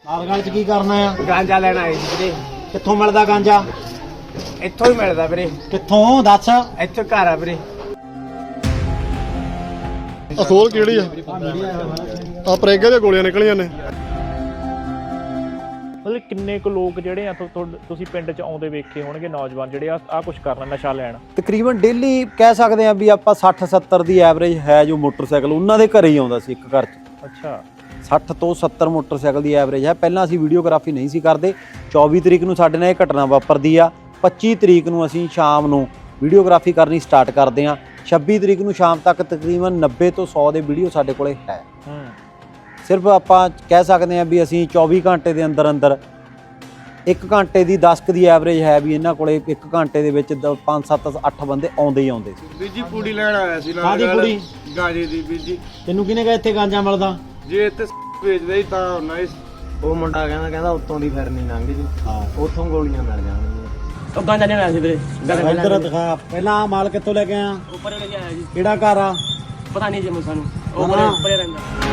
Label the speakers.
Speaker 1: ਲਾਲਗੜ੍ਹ ਚ ਕੀ ਕਰਨਾ ਆ?
Speaker 2: ਗਾਂਜਾ ਲੈਣ ਆਏ ਸੀ ਵੀਰੇ।
Speaker 1: ਕਿੱਥੋਂ ਮਿਲਦਾ ਗਾਂਜਾ?
Speaker 2: ਇੱਥੋਂ ਹੀ ਮਿਲਦਾ ਵੀਰੇ।
Speaker 1: ਕਿੱਥੋਂ ਦੱਸ?
Speaker 2: ਇੱਥੇ ਘਰ ਆ ਵੀਰੇ।
Speaker 3: ਅਸੋਲ ਕਿਹੜੀ ਆ? ਆ ਪ੍ਰੇਗੇ ਦੀਆਂ ਗੋਲੀਆਂ ਨਿਕਲੀਆਂ ਨੇ।
Speaker 4: ਮਤਲਬ ਕਿੰਨੇ ਕੁ ਲੋਕ ਜਿਹੜੇ ਆ ਤੁਸੀਂ ਪਿੰਡ 'ਚ ਆਉਂਦੇ ਵੇਖੇ ਹੋਣਗੇ ਨੌਜਵਾਨ ਜਿਹੜੇ ਆ ਕੁਝ ਕਰਨਾ ਨਸ਼ਾ ਲੈਣ?
Speaker 1: ਤਕਰੀਬਨ ਡੇਲੀ ਕਹਿ ਸਕਦੇ ਆ ਵੀ ਆਪਾਂ 60-70 ਦੀ ਐਵਰੇਜ ਹੈ ਜੋ ਮੋਟਰਸਾਈਕਲ ਉਹਨਾਂ ਦੇ ਘਰੇ ਹੀ ਆਉਂਦਾ ਸੀ ਇੱਕ ਘਰ 'ਚ।
Speaker 4: ਅੱਛਾ
Speaker 1: 60 ਤੋਂ 70 ਮੋਟਰਸਾਈਕਲ ਦੀ ਐਵਰੇਜ ਹੈ। ਪਹਿਲਾਂ ਅਸੀਂ ਵੀਡੀਓਗ੍ਰਾਫੀ ਨਹੀਂ ਸੀ ਕਰਦੇ। 24 ਤਰੀਕ ਨੂੰ ਸਾਡੇ ਨਾਲ ਇਹ ਘਟਨਾ ਵਾਪਰਦੀ ਆ। 25 ਤਰੀਕ ਨੂੰ ਅਸੀਂ ਸ਼ਾਮ ਨੂੰ ਵੀਡੀਓਗ੍ਰਾਫੀ ਕਰਨੀ ਸਟਾਰਟ ਕਰਦੇ ਆ। 26 ਤਰੀਕ ਨੂੰ ਸ਼ਾਮ ਤੱਕ ਤਕਰੀਬਨ 90 ਤੋਂ 100 ਦੇ ਵੀਡੀਓ ਸਾਡੇ ਕੋਲੇ ਹੈ। ਸਿਰਫ ਆਪਾਂ ਕਹਿ ਸਕਦੇ ਆ ਵੀ ਅਸੀਂ 24 ਘੰਟੇ ਦੇ ਅੰਦਰ 1 ਘੰਟੇ ਦੀ 10 ਦੀ ਐਵਰੇਜ ਹੈ ਵੀ ਇਹਨਾਂ ਕੋਲੇ 1 ਘੰਟੇ ਦੇ ਵਿੱਚ 5 7 8 ਬੰਦੇ ਆਉਂਦੇ ਹੀ ਆਉਂਦੇ ਸੀ।
Speaker 2: ਵੀਰ ਜੀ ਪੂੜੀ ਲੈਣ ਆਇਆ ਸੀ ਨਾਲ।
Speaker 1: ਕਾਹਦੀ ਪੂੜੀ?
Speaker 2: ਗਾਂਜੇ ਦੀ ਵੀਰ ਜੀ।
Speaker 1: ਤੈਨੂੰ ਕਿਹਨੇ ਕਿਹਾ ਇੱਥੇ ਗਾਂਜਾ ਮਿਲਦਾ?
Speaker 2: ਜੇ ਇੱਥੇ ਵੇਚਦੇ ਹੀ ਤਾਂ ਨਾਈਸ। ਉਹ ਮੁੰਡਾ ਕਹਿੰਦਾ ਉੱਤੋਂ ਦੀ ਫਿਰ ਨਹੀਂ ਲੰਘ ਜੀ।
Speaker 1: ਹਾਂ
Speaker 2: ਉੱਥੋਂ ਗੋਲੀਆਂ ਮਿਲ ਜਾਣਗੀਆਂ।
Speaker 4: ਉਹ ਗਾਂਜਾ ਲੈਣ ਆਇਆ ਸੀ ਵੀਰੇ।
Speaker 1: ਇੱਧਰ ਦਿਖਾ ਪਹਿਲਾਂ ਮਾਲ ਕਿੱਥੋਂ ਲੈ ਕੇ ਆਇਆ?
Speaker 4: ਉੱਪਰ ਲੈ ਕੇ ਆਇਆ ਜੀ।
Speaker 1: ਕਿਹੜਾ ਘਰ ਆ?
Speaker 4: ਪਤਾ ਨਹੀਂ ਜੀ ਮੈਨੂੰ ਸਾਨੂੰ।
Speaker 1: ਉਹ
Speaker 4: ਉੱਪਰ ਰਹਿੰਦਾ।